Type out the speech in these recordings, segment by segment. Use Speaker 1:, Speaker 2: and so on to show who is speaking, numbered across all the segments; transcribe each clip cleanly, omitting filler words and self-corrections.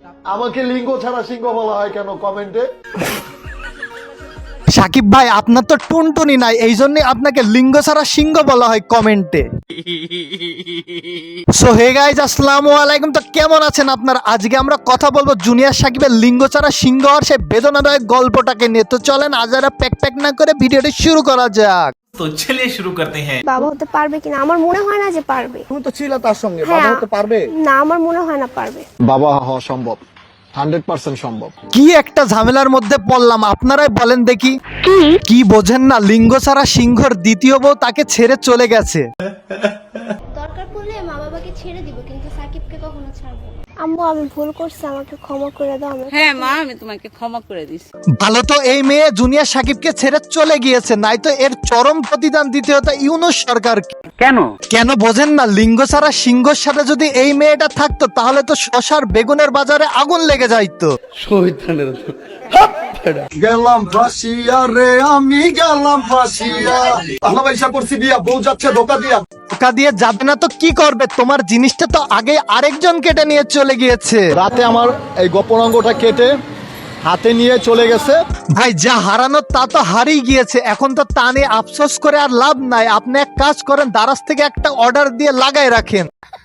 Speaker 1: আমাকে লিঙ্গ ছাড়া সিংহ বলা হয় কেন কমেন্টে?
Speaker 2: সাকিব ভাই আপনার তো টুনটুনি নাই, এই জন্য আপনাকে লিঙ্গ ছাড়া সিংহ বলা হয় কমেন্টে। সো হে গাইজ, আসসালামু আলাইকুম। তো কেমন আছেন আপনারা? আজকে আমরা কথা বলবো জুনিয়র সাকিবের লিঙ্গ ছাড়া সিংহ হওয়ার সেই বেদনাদায়ক গল্পটাকে নিয়ে। তো চলেন আজ আর প্যাক না করে ভিডিওটি শুরু করা যাক।
Speaker 3: তো চলিয়ে শুরু করতে হ্যাঁ।
Speaker 4: বাবা হতে পারবে কিনা আমার মনে হয় না যে পারবে।
Speaker 1: তুমি তো ছিল তার সঙ্গে,
Speaker 4: হ্যাঁ,
Speaker 1: বাবা হতে পারবে?
Speaker 4: না আমার মনে হয় না পারবে।
Speaker 1: বাবা হওয়া সম্ভব, 100% সম্ভব।
Speaker 2: কি একটা ঝামেলার মধ্যে পড়লাম, আপনারাই বলেন দেখি। কি বোঝেন না? লিঙ্গ ছাড়া সিংহর দ্বিতীয় বউ তাকে ছেড়ে চলে গেছে।
Speaker 4: দরকার পড়লে মা বাবাকে ছেড়ে দিব, কিন্তু সাকিবকে কখনো ছাড়বো না। আম্মু আমি ভুল করছি, আমাকে ক্ষমা করে দাও।
Speaker 5: হ্যাঁ মা, আমি তোমাকে ক্ষমা করে দিচ্ছি।
Speaker 2: ভালো তো এই মেয়ে জুনিয়র সাকিবকে ছেড়ে চলে গিয়েছে, নাই তো এর চরম প্রতিদান দিতে হতো ইউনূস সরকারকে। কেন বোঝেন না? লিঙ্গ ছাড়া সিংহর সাথে যদি এই মেয়েটা থাকতো তাহলে তো শশার বেগুনের বাজারে আগুন লেগে যাইতো।
Speaker 1: গেলাম ফাঁসিয়া রে, আমি গেলাম ফাঁসিয়া। আল্লাহ ভাইসা করছি বিয়া, বউ যাচ্ছে ধোকা দিয়া।
Speaker 2: ধোকা দিয়ে যাবে না তো কি করবে? তোমার জিনিসটা তো আগে আরেকজন কেটে নিয়ে চলে গিয়েছে।
Speaker 1: রাতে আমার এই গোপন অঙ্গটা কেটে হাতে নিয়ে চলে গেছে।
Speaker 2: ভাই যা হারানোর তা তো হারিয়ে গিয়েছে, এখন তো তা নিয়ে আফসোস করে আর লাভ নাই। আপনি এক কাজ করেন, দারাজ থেকে একটা অর্ডার দিয়ে লাগাই রাখেন।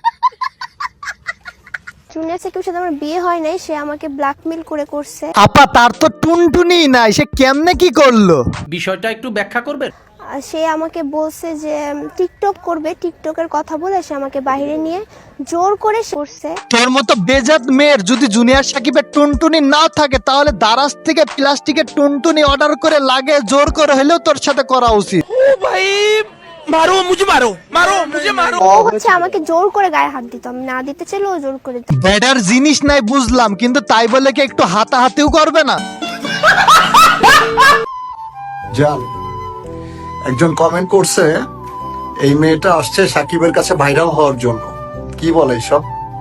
Speaker 4: জুনিয়র সাকিবের সাথে আমার বিয়ে হয় নাই, সে আমাকে ব্ল্যাকমেল করে করছে।
Speaker 2: আপা তার তো টুনটুনি নাই, সে কেমনে কি করলো?
Speaker 3: বিষয়টা একটু ব্যাখ্যা করবেন?
Speaker 4: আর সে আমাকে বলছে যে টিকটক করবে, টিকটকের কথা বলে সে আমাকে বাইরে নিয়ে জোর করে করছে।
Speaker 2: তোর মতো বেজাত মেয়ের যদি জুনিয়র সাকিবের টুনটুনি না থাকে তাহলে দারাজ থেকে প্লাস্টিকের টুনটুনি অর্ডার করে লাগে জোর করে হলেও তোর সাথে করা উচিত।
Speaker 4: ও হচ্ছে আমাকে জোর করে গায়ে হাত দিত, আমি না দিতে চাইলে ও জোর করে দিত।
Speaker 2: বেডার জিনিস নাই বুঝলাম, কিন্তু তাই বলে কি একটু হাতাহাতিও করবে না?
Speaker 1: জান, একজন কমেন্ট করছে এই মেয়েটা আসছে সাকিবের কাছে ভাইরাল হওয়ার জন্য। কি বলে সব?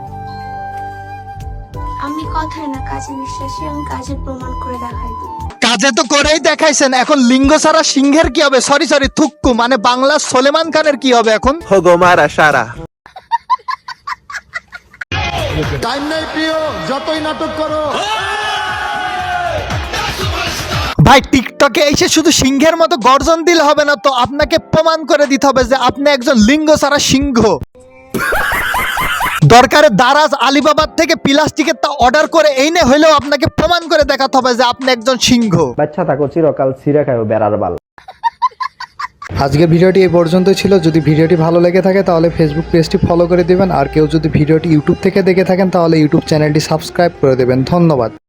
Speaker 4: আমি কথায় না কাজে বিশ্বাসী, আমি কাজের প্রমাণ করে দেখাই দিই।
Speaker 2: কাজে তো করেই দেখাইছেন, এখন লিঙ্গ ছাড়া সিংহের কি হবে? সরি থুক্কু মানে বাংলা সলেমান খানের কি হবে এখন?
Speaker 1: টাইম নাই প্রিয়, যতই নাটক করো।
Speaker 2: ভাই টিকটকে এসে শুধু সিংহের মতো গর্জন দিলে হবে না তো, আপনাকে প্রমাণ করে দিতে হবে যে আপনি একজন লিঙ্গ ছাড়া সিংহ। দরকারে দারাজ আলিবাবার থেকে প্লাস্টিকের তা অর্ডার করে এইনে হইলেও আপনাকে প্রমাণ করে দেখাতে হবে যে আপনি একজন সিংহ।
Speaker 6: বাচ্চা থাকো চিরকাল ছিঁড়ে খাও বেড়ার বাল।
Speaker 7: আজকে ভিডিওটি এই পর্যন্তই ছিল। যদি ভিডিওটি ভালো লেগে থাকে তাহলে ফেসবুক পেজটি ফলো করে দিবেন, আর কেউ যদি ভিডিওটি ইউটিউব থেকে দেখে থাকেন তাহলে ইউটিউব চ্যানেলটি সাবস্ক্রাইব করে দেবেন। ধন্যবাদ।